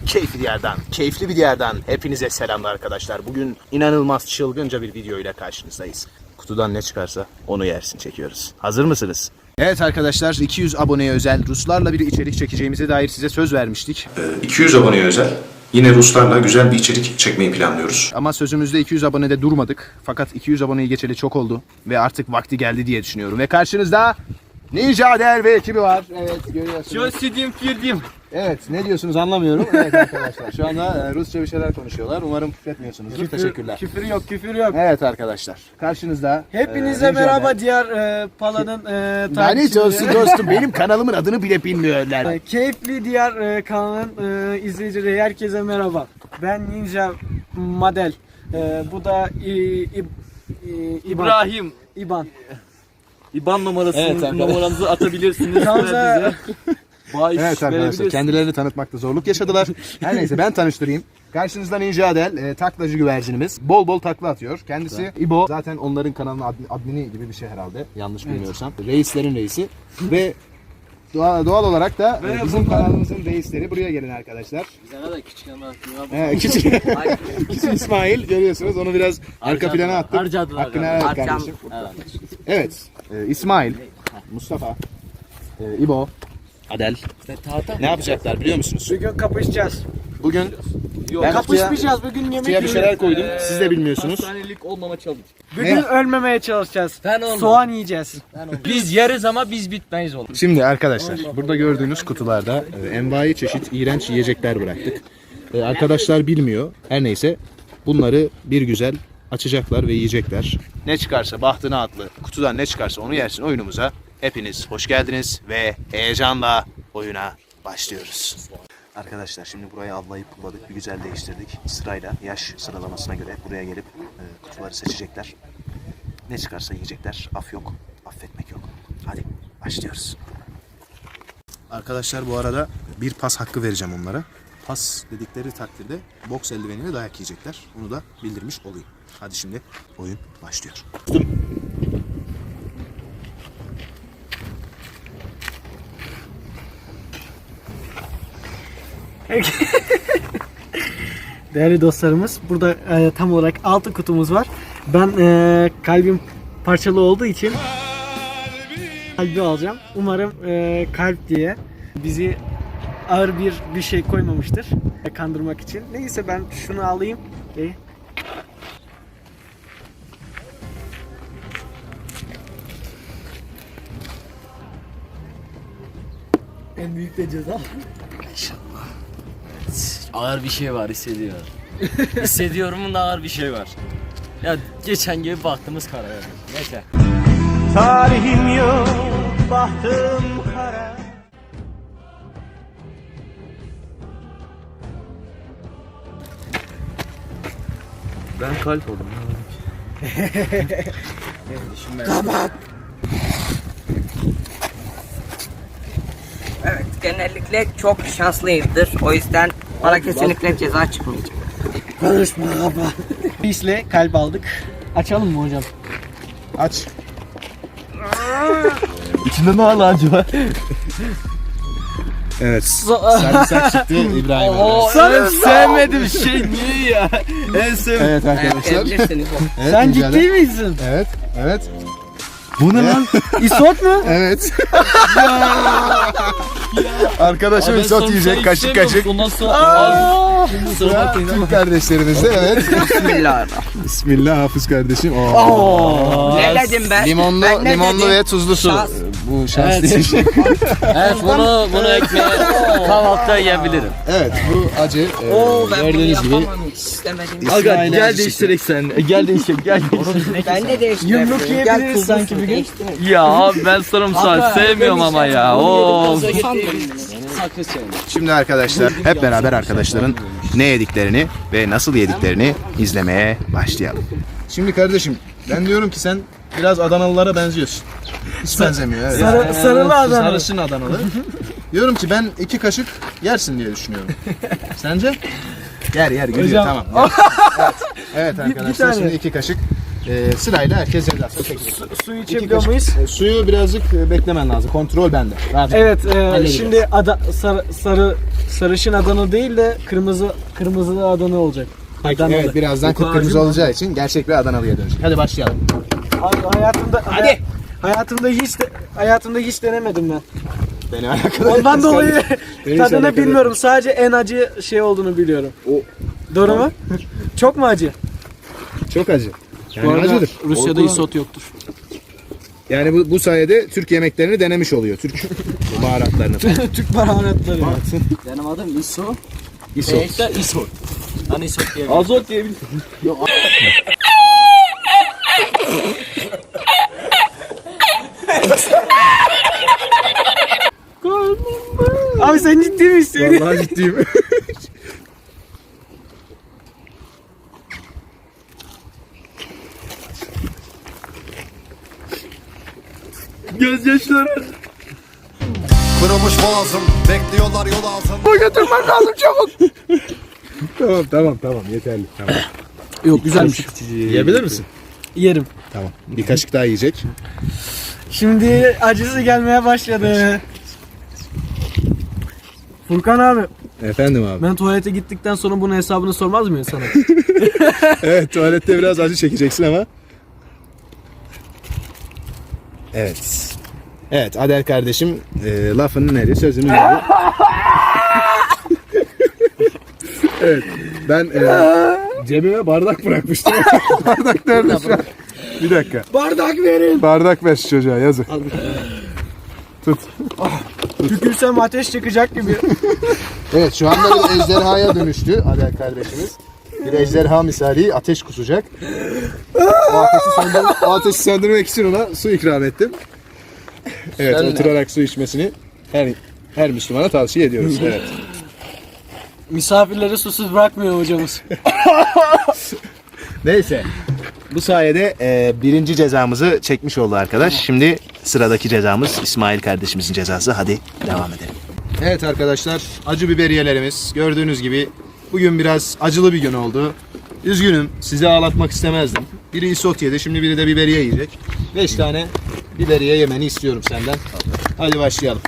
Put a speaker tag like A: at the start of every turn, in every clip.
A: keyifli bir diyardan hepinize selamlar arkadaşlar. Bugün inanılmaz çılgınca bir video ile karşınızdayız. Kutudan ne çıkarsa onu yersin çekiyoruz. Hazır mısınız? Evet arkadaşlar, 200 aboneye özel Ruslarla bir içerik çekeceğimize dair size söz vermiştik.
B: 200 aboneye özel yine Ruslarla güzel bir içerik çekmeyi planlıyoruz.
A: Ama sözümüzde 200 abonede durmadık. Fakat 200 aboneyi geçeli çok oldu ve artık vakti geldi diye düşünüyorum. Ve karşınızda Ninja Der ve ekibi var. Evet, görüyorsunuz. Evet, ne diyorsunuz anlamıyorum. Evet arkadaşlar, şu anda Rusça bir şeyler konuşuyorlar. Umarım küfretmiyorsunuzdur. Teşekkürler.
C: Küfür yok, küfür yok.
A: Evet arkadaşlar, karşınızda
C: Hepinize
A: Ninja
C: merhaba
A: Der.
C: diğer Pala'nın
A: Lanet olsun dostum, benim kanalımın adını bile bilmiyorlar.
C: Keyifli diğer kanalın izleyicileri herkese merhaba. Ben Ninja Model. Bu da
D: İbrahim.
C: İban.
D: İban numarasını
A: Evet, arkadaşlar.
D: numaranızı atabilirsiniz.
C: Gamze.
D: Bağış
A: Evet arkadaşlar,
D: verebilirsiniz.
A: kendilerini tanıtmakta zorluk yaşadılar. Her neyse, ben tanıştırayım. Karşınızda Ninja Der, taklacı güvercinimiz. Bol bol takla atıyor. Kendisi İbo. Zaten onların kanalının admini gibi bir şey herhalde. Yanlış bilmiyorsam. Reislerin reisi. Ve doğal olarak da bizim kanalımızın reisleri. Buraya gelin arkadaşlar.
D: Sana da küçük ama.
A: Küçük İsmail görüyorsunuz. Onu biraz arka plana attık.
D: Harcadılar.
A: Hakkını helal et kardeşim. Evet. İsmail, Mustafa, İbo, Adel. Ne yapacaklar biliyor musunuz?
C: Bugün kapışacağız.
A: Bugün
D: Yok.
A: ben
C: Kapışmayacağız, bugün yemek
A: kutuya bir
C: yiyoruz.
A: şeyler koydum. Siz de bilmiyorsunuz.
D: Hastanelik olmama çalış.
C: Bugün
A: Ne?
C: ölmemeye çalışacağız.
D: Ben olmam.
C: Soğan yiyeceğiz.
D: Biz yeriz ama biz bitmeyiz oğlum.
A: Şimdi arkadaşlar, burada gördüğünüz kutularda envai çeşit iğrenç yiyecekler bıraktık. Arkadaşlar bilmiyor. Her neyse, bunları bir güzel açacaklar ve yiyecekler. Ne çıkarsa bahtına atlı, kutudan ne çıkarsa onu yersin oyunumuza. Hepiniz hoş geldiniz ve heyecanla oyuna başlıyoruz. Arkadaşlar, şimdi burayı avlayıp pulladık, bir güzel değiştirdik. Sırayla yaş sıralamasına göre buraya gelip kutuları seçecekler. Ne çıkarsa yiyecekler. Af yok, affetmek yok. Hadi başlıyoruz. Arkadaşlar, bu arada bir pas hakkı vereceğim onlara. Pas dedikleri takdirde boks eldiveniyle dayak yiyecekler. Bunu da bildirmiş olayım. Hadi şimdi oyun başlıyor.
C: Değerli dostlarımız, burada tam olarak 6 kutumuz var. Ben kalbim parçalı olduğu için kalbi alacağım. Umarım kalp diye bizi ağır bir şey koymamıştır kandırmak için. Neyse, ben şunu alayım. En büyük de ceza.
D: Ağır bir şey var hissediyorum. Hissediyorum da ağır bir şey var. Ya geçen gibi baktığımız kara yani. Neyse.
E: Tarihim yok, bahtım kara.
D: Ben kalp oldum.
F: Evet, genellikle çok şanslıyımdır. O yüzden bana kesinlikle ceza çıkmayacak.
C: Konuşma baba. Pisle kalp aldık. Açalım mı hocam?
A: Aç.
D: İçinde ne acı var?
A: Evet. Sarımsak çıktı İbrahim.
D: En sevmediğim şey niye ya? En sevmediğim.
A: Evet arkadaşlar.
F: Yiyebilirsiniz.
A: Evet,
C: Sen
A: Ninja Der.
C: ciddi misin?
A: Evet. Evet.
C: Bu ne lan? İsot mu?
A: Evet. Arkadaşım isot yiyecek kaşık kaşık.
D: Ondan sonra kusura bakmayın ama.
A: Türk kardeşlerimiz de evet.
F: Bismillahirrahmanirrahim.
A: Bismillah Hafız kardeşim.
F: Ne dedim ben?
A: Limonlu,
F: Ben ne
A: limonlu
F: dedim?
A: ve tuzlu su.
F: Şans.
A: Bu şans değil.
D: Evet bunu ekmeğe kahvaltıda yiyebilirim.
A: Evet, bu acı.
F: Oo, ben bunu
A: Gördüğünüz gibi.
F: yapamam hiç istemedim.
D: Aga gel
A: acısı.
D: değiştirek sen. Gel değiştirek gel.
F: Ben de değiştireyim.
C: Yumruk yiyebiliriz sanki bir gün.
D: Ya abi ben sarımsak sevmiyorum ama ya. Oo.
A: Şimdi arkadaşlar, hep beraber arkadaşların ne yediklerini ve nasıl yediklerini izlemeye başlayalım. Şimdi kardeşim, ben diyorum ki sen biraz Adanalılara benziyorsun. Hiç benzemiyor. Evet.
C: Sarılı adam.
A: Sarışın Adanalı. Diyorum ki ben 2 kaşık yersin diye düşünüyorum. Sence? Yer gülüyor,
C: Hocam.
A: tamam. Evet arkadaşlar,
C: tane.
A: şimdi 2 kaşık sırayla herkes cezasını çekecek.
C: Su
A: İki
C: içebiliyor
A: kaşık.
C: muyuz?
A: Suyu birazcık beklemen lazım. Kontrol bende. Rahat ol.
C: Evet,
A: Halledeceğiz.
C: şimdi sarı sarışın Adana değil de kırmızı Adana olacak. Adanalı.
A: Evet, birazdan kıpkırmızı olacağı için gerçek bir Adanalı'ya dönecek. Hadi başlayalım.
C: Hayatımda hiç denemedim ben.
A: Beni alakalı.
C: Ondan dolayı
A: Beni hiç
C: tadını
A: alakalı
C: bilmiyorum. Sadece en acı şey olduğunu biliyorum. Doğru mu? Çok mu acı?
A: Çok acı. Yani
C: Bu arada
A: acıdır.
C: Rusya'da isot yoktur.
A: Yani bu sayede Türk yemeklerini denemiş oluyor. Türk baharatlarını.
C: Türk baharatları.
D: Benim adım İso.
A: İso.
D: Beyekler İso. Hani İso diye.
C: Azot diyebilirim. Abi sen ciddi misin?
A: Vallahi ciddiyim.
C: Gözyaşları.
G: Kırılmış boğazım, bekliyorlar yol ağzında.
A: Götürmem lazım çabuk. tamam yeterli. Tamam.
C: Yok güzelmiş.
A: Yiyebilir misin?
C: Yerim.
A: Tamam. Bir kaşık daha yiyecek.
C: Şimdi acısı gelmeye başladı. Furkan abi,
A: Efendim abi.
C: ben tuvalete gittikten sonra bunun hesabını sormaz mıyım sana?
A: Evet, tuvalette biraz acı çekeceksin ama. Evet. Evet, Adel kardeşim lafının eri, sözünün eri. Evet, ben cebime bardak bırakmıştım. Bardak nerede şu an? Bir dakika.
C: Bardak verin.
A: Bardak ver şu çocuğa, yazık. Tut.
C: Tükürsem ateş çıkacak gibi.
A: Evet, şu anda bir ejderhaya dönüştü Adel kardeşimiz. Bir ejderha misali ateş kusacak. O ateşi söndürmek için ona su ikram ettim. Evet, oturarak su içmesini her Müslümana tavsiye ediyoruz. Evet.
C: Misafirleri susuz bırakmıyor hocamız.
A: Neyse. Bu sayede birinci cezamızı çekmiş oldu arkadaş. Şimdi sıradaki cezamız İsmail kardeşimizin cezası. Hadi devam edelim. Evet arkadaşlar, acı biberiyelerimiz gördüğünüz gibi bugün biraz acılı bir gün oldu. Üzgünüm, sizi ağlatmak istemezdim. Biri isot yedi, şimdi biri de biberiye yiyecek. 5 tane biberiye yemeni istiyorum senden. Hadi başlayalım.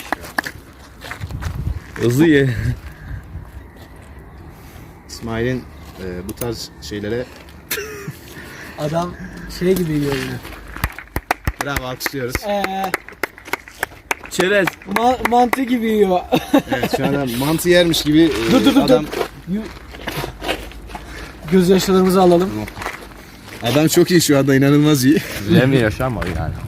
D: Hızlı ye.
A: İsmail'in bu tarz şeylere
C: Adam şey gibi yiyor yine.
A: bravo, alkışlıyoruz.
D: Çerez.
C: Mantı gibi yiyor.
A: Evet, şu anda mantı yermiş gibi
C: Dur.
A: adam...
C: Gözyaşlarımızı alalım.
A: Adam çok iyi şu anda, inanılmaz iyi.
D: Bilemiyor yaşam var yani.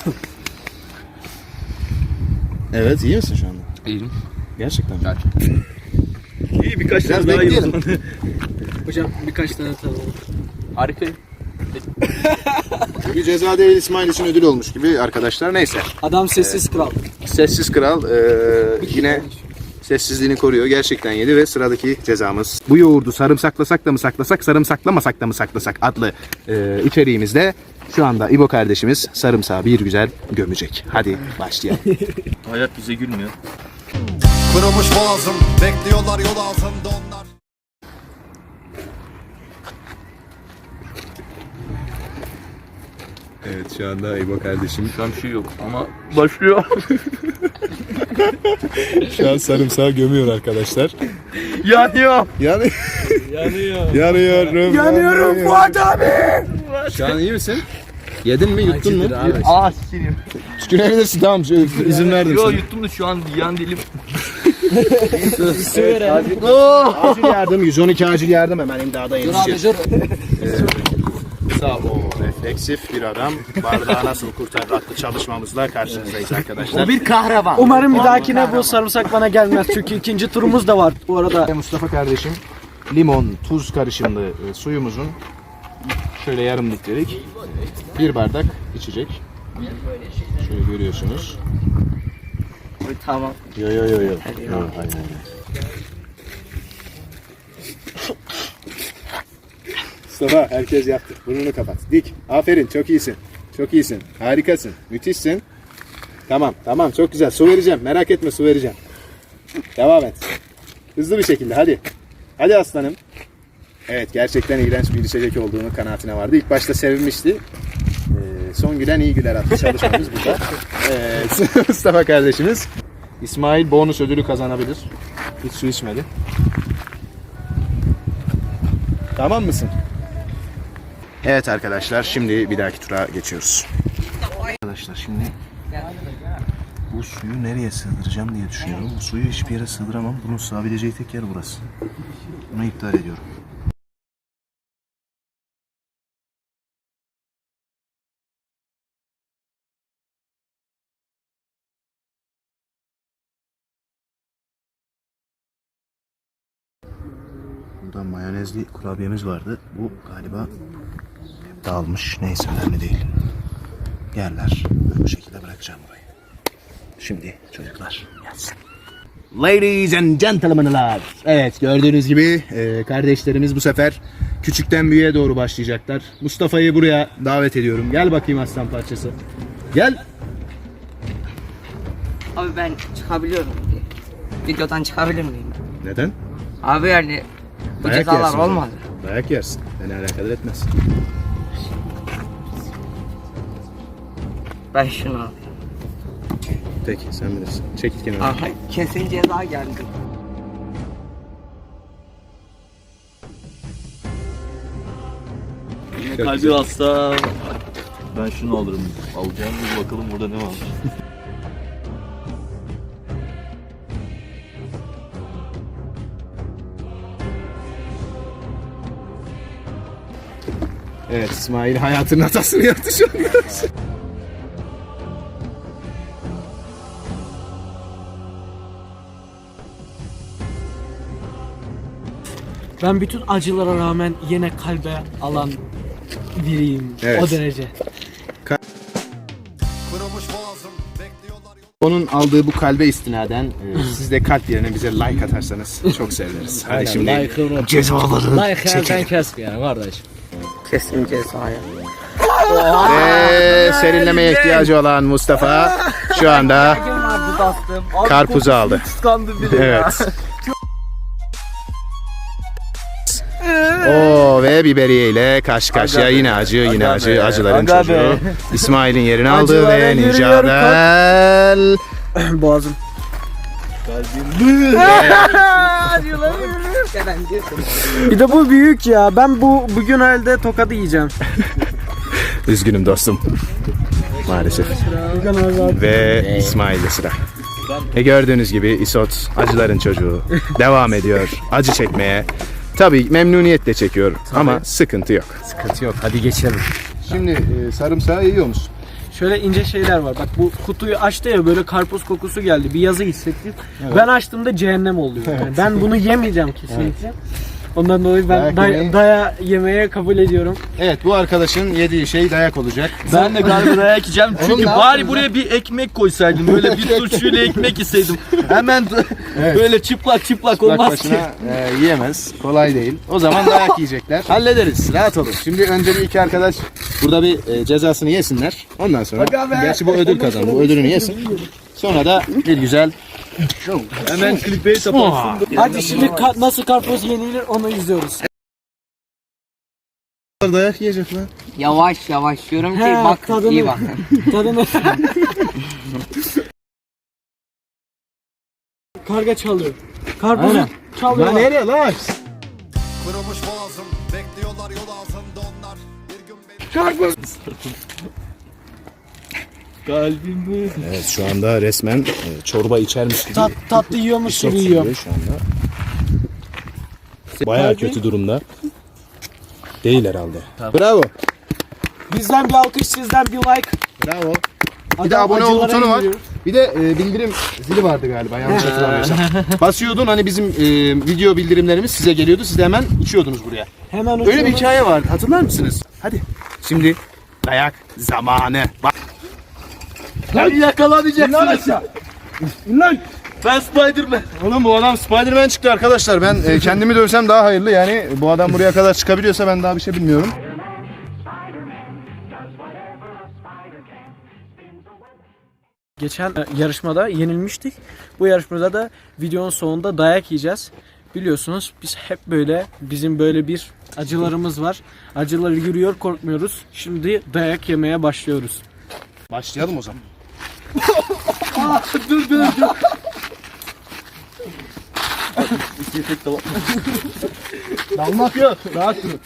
A: Evet, iyi misin şu anda?
D: İyiyim.
A: Gerçekten mi?
D: İyi birkaç
A: Biraz
D: tane daha
A: bekleyelim.
D: yiyelim.
C: Hocam birkaç tane tadalım.
D: Harika.
A: Bir ceza değil, İsmail için ödül olmuş gibi arkadaşlar. Neyse.
C: Adam sessiz kral.
A: Sessiz Kral yine sessizliğini koruyor. Gerçekten yedi ve sıradaki cezamız. Bu yoğurdu sarımsaklasak da mı saklasak, sarımsaklamasak da mı saklasak adlı içeriğimizde şu anda İbo kardeşimiz sarımsağı bir güzel gömecek. Hadi başlayalım.
D: Hayat bize gülmüyor.
G: Kırılmış boğazım, bekliyorlar yol ağzında onlar.
A: Evet, şu anda İbo kardeşim
D: Şu an bir şey yok ama başlıyor.
A: şu an sarımsağı gömüyor arkadaşlar.
D: Yanıyor.
A: Yani
D: Yanıyor.
A: yanıyorum
C: Fuat abi.
A: Şu an iyi misin? Yedin mi, yuttun mu?
D: Aa sikeyim.
A: Tükürebilirsin, tamam, izin verdim
D: Yo
A: sana.
D: yuttum da şu an yan dilim.
A: Acil yardım, 112 acil yardım, hemen imdada yetişir. Sağ ol. Refleksif bir adam. Bardağı nasıl kurtarır adlı çalışmamızla karşınızdayız arkadaşlar.
D: Bir kahraman.
C: Umarım bir dahakine bu sarımsak bana gelmez. Çünkü ikinci turumuz da var bu arada.
A: Mustafa kardeşim limon, tuz karışımlı suyumuzun şöyle yarım litrelik bir bardak içecek. Şöyle görüyorsunuz.
F: Tamam.
A: Yo. Hayır. Mustafa, herkes yaptı. Burnunu kapat. Dik. Aferin, çok iyisin. Çok iyisin. Harikasın. Müthişsin. Tamam, çok güzel. Su vereceğim. Merak etme, su vereceğim. Devam et. Hızlı bir şekilde, hadi. Hadi aslanım. Evet, gerçekten iğrenç bir içecek olduğunu kanaatine vardı. İlk başta sevinmişti. Son gülen iyi güler adlı çalışmamız burada. Evet, Mustafa kardeşimiz İsmail bonus ödülü kazanabilir. Hiç su içmedi. Tamam mısın? Evet arkadaşlar, şimdi bir dahaki tura geçiyoruz. Arkadaşlar şimdi bu suyu nereye sığdıracağım diye düşünüyorum. Bu suyu hiçbir yere sığdıramam. Bunun sığabileceği tek yer burası. Bunu iptal ediyorum. Burada mayonezli kurabiyemiz vardı. Bu galiba dağılmış. Neyse, önemli değil. Yerler. Böyle bu şekilde bırakacağım burayı. Şimdi çocuklar gelsin. Ladies and gentlemen'lar. Evet, gördüğünüz gibi kardeşlerimiz bu sefer küçükten büyüğe doğru başlayacaklar. Mustafa'yı buraya davet ediyorum. Gel bakayım aslan parçası. Gel.
F: Abi ben çıkabiliyorum diye. Videodan çıkabilir miyim?
A: Neden?
F: Abi yani bu
A: Dayak
F: cezalar
A: yersin o zaman.
F: olmadı.
A: Dayak yersin. Beni alakadar etmez.
F: Ben şunu alayım.
A: Peki, sen bilirsin. Çekil kenara.
F: Aha kesin ceza geldi.
H: Kalbi hasta. Ben şunu alırım. Alacağım bir bakalım burada ne var.
A: Evet, İsmail hayatının hatasını yaptı şu an.
C: Ben bütün acılara rağmen yine kalbe alan biriyim.
A: Evet.
C: O derece.
G: Kırılmış boğazım bekliyorlar
A: Onun aldığı bu kalbe istinaden siz de kalp yerine bize like atarsanız çok seviniriz. Hadi şimdi cezaları çekelim.
D: kesmeyelim kardeş.
F: Kesin cezaya.
A: Ve serinlemeye ihtiyacı olan Mustafa şu anda
F: Vardı dostum.
A: karpuzu aldı. Evet. Oo, ve biberiye ile karşı karşıya yine acı, yine acı, acıların çocuğu. İsmail'in yerini aldı ve Ninja'dan
C: Boğazım. Bir de bu büyük ya. Ben bugün halde tokadı yiyeceğim.
A: üzgünüm dostum. Maalesef. Ve İsmail'de sıra. Gördüğünüz gibi İsot acıların çocuğu devam ediyor acı çekmeye. Tabii memnuniyetle çekiyor ama sıkıntı yok.
D: Sıkıntı yok. Hadi geçelim.
A: Şimdi sarımsağı yiyor musun?
C: Şöyle ince şeyler var. Bak bu kutuyu açtı ya, böyle karpuz kokusu geldi. Bir yazı hissettim. Ben açtığımda cehennem oluyor. Yani ben bunu yemeyeceğim kesinlikle. Ondan dolayı ben daya yemeye kabul ediyorum.
A: Evet, bu arkadaşın yediği şey dayak olacak.
H: Ben de galiba dayak yiyeceğim çünkü
A: ne
H: bari
A: yaptın
H: buraya bir ekmek koysaydım. Böyle bir turşuyla ekmek yeseydim. Hemen böyle çıplak
A: Bak
H: olmaz ki.
A: başına yiyemez. Kolay değil. O zaman dayak yiyecekler. Hallederiz. Rahat olun. Şimdi önce bir iki arkadaş burada bir cezasını yesinler. Ondan sonra gerçi bu ödül kazandı. Bu ödülünü yesin. Sonra da bir güzel
H: Hemen clickbait yaparsın.
C: Hadi şimdi nasıl karpuz yenilir onu izliyoruz.
A: dayak yiyecek lan.
F: Yavaş yavaş diyorum ki
C: He,
F: bak
C: tadını-
F: iyi bakın.
C: Tadını... Karga çalıyor. Karpuzu çalıyor.
A: Lan nereye lan?
G: Kırılmış boğazım bekliyorlar yol ağzında onlar. Bir gün beni
H: Kalbimi.
A: Evet, şu anda resmen çorba içermiş gibi.
C: Tatlı yiyormuş
A: isot
C: gibi yiyor.
A: sürüyor şu anda. Bayağı kötü durumda. Değil herhalde. Bravo.
C: Bizden bir alkış, sizden bir like.
A: Bravo. Bir de
C: Adam
A: abone ol
C: acılara
A: butonu var.
C: yürüyor.
A: Bir de bildirim zili vardı galiba, yanlış hatırlamıyorsam. Basıyordun, hani bizim video bildirimlerimiz size geliyordu. Siz de hemen içiyordunuz buraya.
C: Hemen
A: Öyle bir
C: uçuyoruz.
A: hikaye var. Hatırlar mısınız? Hadi. Şimdi dayak zamanı. Bak.
H: Beni yakalamayacaksınız. Lan ben Spiderman.
A: Oğlum, bu adam Spiderman çıktı arkadaşlar. Ben kendimi dövsem daha hayırlı. Yani bu adam buraya kadar çıkabiliyorsa ben daha bir şey bilmiyorum.
C: Geçen yarışmada yenilmiştik. Bu yarışmada da videonun sonunda dayak yiyeceğiz. Biliyorsunuz biz hep böyle, bizim böyle bir acılarımız var. Acıları yürüyor, korkmuyoruz. Şimdi dayak yemeye başlıyoruz.
A: Başlayalım o zaman.
H: Dur. İki tek de var.
A: Dalmak yok. Rahat durun.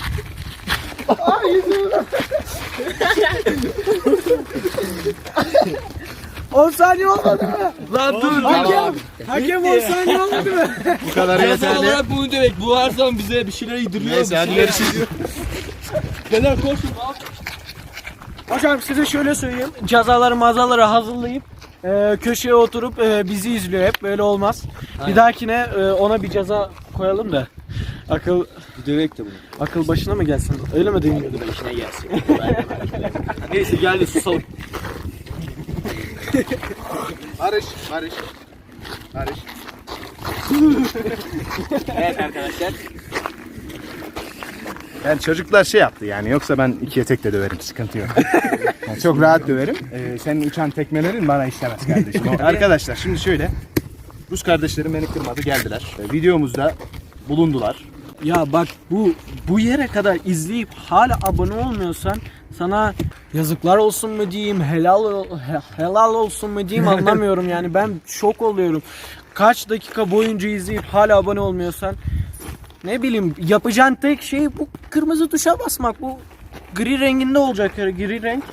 C: 10 saniye olmadı mı?
H: Lan dur.
C: Hakem 10 saniye olmadı mı?
A: Bu kadar
H: Ceza
A: yeterli.
H: olarak bunu demek. Bu her zaman bize bir şeyler yediriyor.
A: Neyse hadi görüşürüz.
H: Neler koşun abi.
C: Hocam size şöyle söyleyeyim. Cezaları mazaları hazırlayıp köşeye oturup bizi izliyor hep. Böyle olmaz. Bir dahakine ona bir ceza koyalım da. Akıl
H: Dövek de bunu.
C: akıl başına mı gelsin? Öyle mi deniyordu? Başına gelsin.
H: Neyse geldi susalım.
A: Barış, Barış. Barış.
C: Evet arkadaşlar.
A: Yani çocuklar şey yaptı yani, yoksa ben ikiye tek de döverim, sıkıntı yok. Yani çok rahat döverim. Senin uçan tekmelerin bana işlemez kardeşim. Arkadaşlar şimdi şöyle, Rus kardeşlerim beni kırmadı, geldiler. Videomuzda bulundular.
C: Ya bak bu yere kadar izleyip hala abone olmuyorsan sana yazıklar olsun mu diyeyim, helal olsun mu diyeyim anlamıyorum yani. Ben şok oluyorum. Kaç dakika boyunca izleyip hala abone olmuyorsan, ne bileyim, yapacağın tek şey bu kırmızı tuşa basmak. Bu gri renginde olacak, gri renk.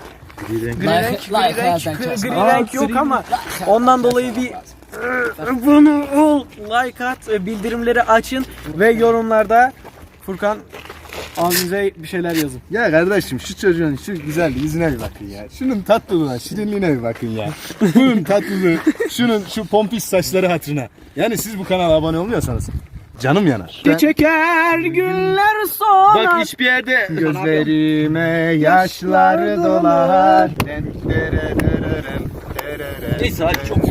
C: Gri renk yok ama ondan dolayı bir bunu like at, bildirimleri açın ve yorumlarda Furkan abimize bir şeyler yazın.
A: Ya kardeşim, şu çocuğun şu güzel yüzüne bir bakın ya. Şunun tatlılığına, şirinliğine bir bakın ya. Bunun tatlılığı, şunun şu pompis saçları hatırına. Yani siz bu kanala abone olmuyorsanız canım yanar.
C: Çeker günler sonra.
H: Bak hiçbir yerde
A: Gözlerime yaşlar dolar.
H: neyse hadi çok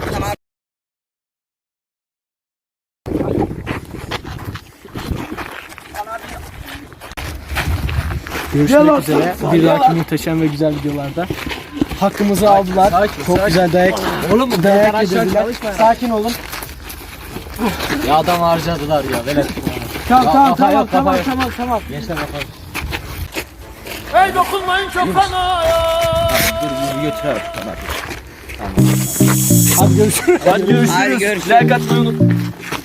C: Görüşmek üzere. Bir dahaki muhteşem ve güzel videolarda. Hakkımızı aldılar. Çok güzel dayak. Oğlum dayak yediler. Sakin olun.
D: Ya adam harcadılar ya. Velet.
C: Tamam.
D: Gençler bakalım.
C: Hadi görüşürüz.
H: Hadi görüşürüz.
F: Hadi görüşürüz.
H: Like atmayı unutmayın.